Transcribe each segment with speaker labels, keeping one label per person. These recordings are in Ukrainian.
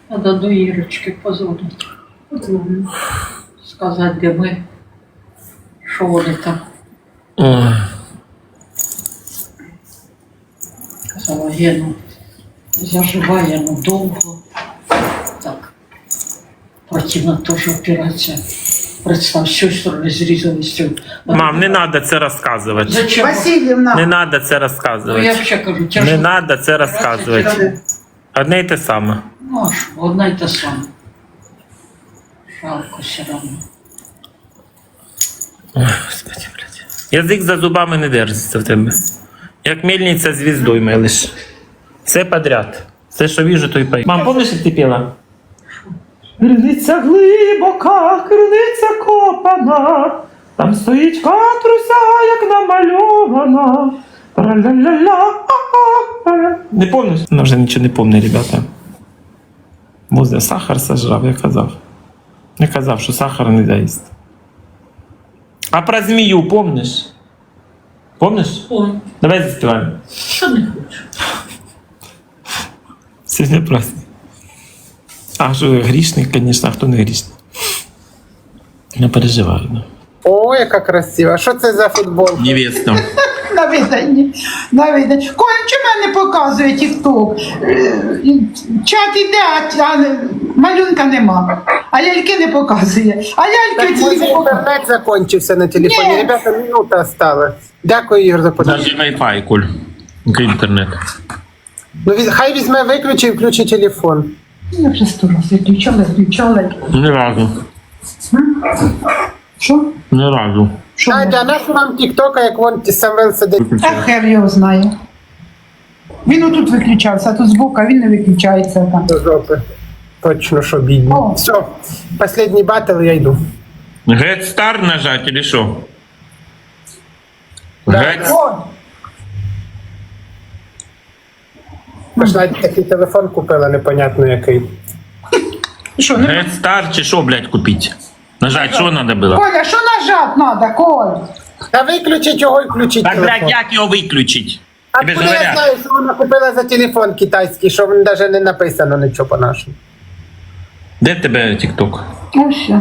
Speaker 1: Надо до Ірочки позвонити. Сказати, де ми, що вони там.
Speaker 2: Ой.
Speaker 1: Казала, Гену, заживає, ну довго. Так. Противна теж операція. Представ, з цієї сторони зрізалися.
Speaker 2: Мам, не треба це розказувати.
Speaker 1: Зачем?
Speaker 3: Васильівна,
Speaker 2: Не треба це
Speaker 1: Ну, я
Speaker 2: розказувати.
Speaker 1: взагалі кажу, тяжко.
Speaker 2: Не треба це розказувати. Одне й те саме.
Speaker 1: Ну, а що, одна й та сама. Жалко все одно.
Speaker 2: Ой, Господи, блядь. Язик за зубами не держиться в тебе. Як мельниця звіздою мелиш. Все подряд. Все, що віжу, то й пою. Мам, помниш, як ти піла? Криниця глибока, криниця копана. Там стоїть катруся, як намальована. Тра-ля-ля-ля. Не помниш? Вона вже нічого не помне, ребята. Возле сахар сожрав, я казав. Я казав, що сахар не дасть. А про змію помниш? Помниш?
Speaker 1: Ой,
Speaker 2: Давай заспіваємо.
Speaker 1: що не хочу.
Speaker 2: Сьогодні праздник. А що грішник, звісно, а хто не грішник? Не переживаю. Ну.
Speaker 3: о, яка красива. Що це за футбол?
Speaker 2: Невеста.
Speaker 3: На виданні. На виданні. Коля, чому не показує тік-ток? Чат іде, а малюнка нема. А ляльки не показує. А ляльки ці не показує.
Speaker 4: Интернет закончился на телефоне.
Speaker 3: Нет.
Speaker 4: Ребята, минута осталась. Дякую, Ігор, за подачу.
Speaker 2: Даже Wi-Fi, Коль. Інтернет.
Speaker 4: Ну, хай візьме, виключи і включи телефон.
Speaker 3: Я вже 100 разів включала.
Speaker 2: Ні разу.
Speaker 3: Що?
Speaker 2: Ні разу.
Speaker 3: Що?
Speaker 4: Надя, а нащо вам тіктока, як вон Самвел сидить
Speaker 3: Та хер його знає. Він отут виключався, а тут збоку, а він не виключається там.
Speaker 4: до жопи? Точно, що бідні.
Speaker 3: О.
Speaker 4: Все, последний батл, я йду.
Speaker 2: Get Star нажать или що?
Speaker 4: Да.
Speaker 2: Get...
Speaker 3: О,
Speaker 4: Пошла такий телефон купила, непонятно який.
Speaker 3: що, не...
Speaker 2: Get Star чи що, блядь, купити? Нажать, що треба було?
Speaker 3: Коля, що нажать треба, Коль?
Speaker 4: Та виключить його і включить
Speaker 2: Так,
Speaker 4: телефон.
Speaker 2: блядь, як його виключити?
Speaker 4: А
Speaker 2: Тебе ж
Speaker 4: куди я
Speaker 2: говорять.
Speaker 4: знаю, що вона купила за телефон китайський, що навіть не написано нічого по-нашому.
Speaker 2: Де в тебе TikTok?
Speaker 3: Ну все.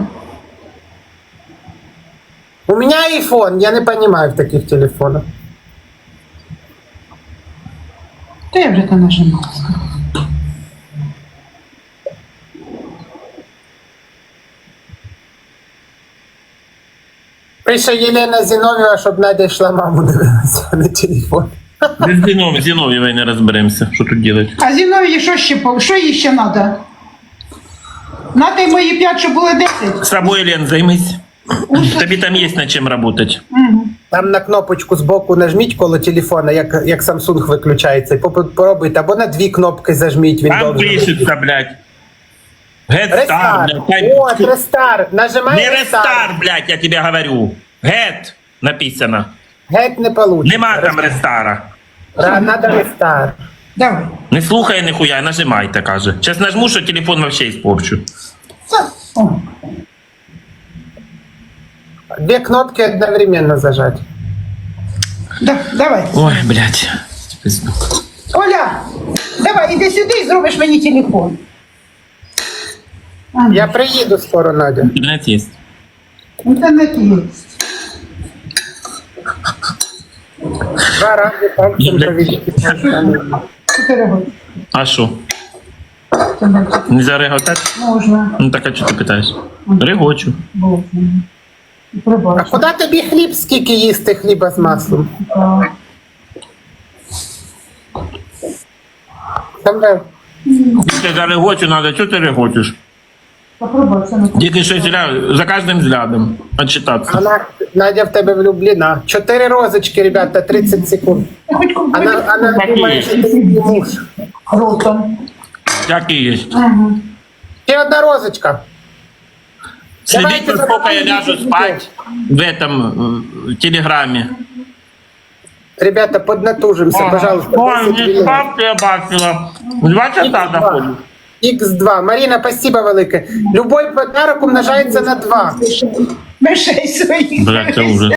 Speaker 4: У меня iPhone, я не понимаю в таких телефонах.
Speaker 3: Та я вже то нажимала.
Speaker 4: Пише Єлена Зіновєва, щоб Надя йшла маму дивилася на телефон.
Speaker 2: Без Зінов'євої не розберемося, що тут робити.
Speaker 3: А зі мною що ще, що їй ще треба? Надо й мої 5, щоб були 10.
Speaker 2: З собою, Лен, займись. Тобі там є над чим працювати.
Speaker 4: Там на кнопочку збоку нажміть коло телефона, як Samsung виключається, і попробуйте, або на 2 кнопки зажміть, він
Speaker 2: Там
Speaker 4: довго.
Speaker 2: пишеться, блядь. Get Star,
Speaker 4: Рестарт.
Speaker 2: блядь.
Speaker 4: От, рестарт. Нажимай
Speaker 2: Не
Speaker 4: рестарт.
Speaker 2: рестар, блядь, я тебе говорю. Get написано.
Speaker 4: Геть не получится.
Speaker 2: Нема там рестара.
Speaker 4: Надо рестарт.
Speaker 3: Давай.
Speaker 2: Не слухай ніхуя, нажимайте, каже. Зараз нажму, що телефон вообще испорчу.
Speaker 3: О.
Speaker 4: 2 кнопки одновременно зажать.
Speaker 3: Давай.
Speaker 2: Ой, блядь.
Speaker 3: Оля, давай, іди сюди і зробиш мені телефон.
Speaker 4: Я приїду скоро, Надя.
Speaker 2: Інтернет є.
Speaker 3: Інтернет є.
Speaker 4: 2 рази пальцем проведіть.
Speaker 3: 4 години.
Speaker 2: А що?
Speaker 3: Це бачите.
Speaker 2: Нельзя реготати?
Speaker 3: Можна.
Speaker 2: Ну так, а чого ти питаєш? Регочу.
Speaker 3: Було. І
Speaker 4: А
Speaker 3: пробачу.
Speaker 4: куди тобі хліб, скільки їсти хліба з маслом? Самвел,
Speaker 2: Ти за регочу надо, чого ти регочеш?
Speaker 3: Попробуй, це не
Speaker 2: Тільки щось за кожним взглядом отчитатися.
Speaker 4: вона, Надя в тебе влюблена. 4 розочки, ребята, 30 секунд.
Speaker 3: Я хоч
Speaker 4: Она думає, що ти її муж.
Speaker 3: ротом.
Speaker 2: Як і є.
Speaker 3: Ага.
Speaker 4: Ще одна розочка.
Speaker 2: Следите,
Speaker 4: Давайте
Speaker 2: сколько я
Speaker 4: запомним,
Speaker 2: ляжу
Speaker 4: что
Speaker 2: спать в этом в телеграме.
Speaker 4: Ребята, поднатужимся, пожалуйста.
Speaker 2: Ой,
Speaker 4: 10
Speaker 2: не
Speaker 4: хвилин.
Speaker 2: спавте, я бачила. 2 часа заходжу.
Speaker 4: Х2. Марина, спасибо велике. Любой подарок умножається на 2.
Speaker 3: Мишей своїх.
Speaker 2: Блядь, це ужас.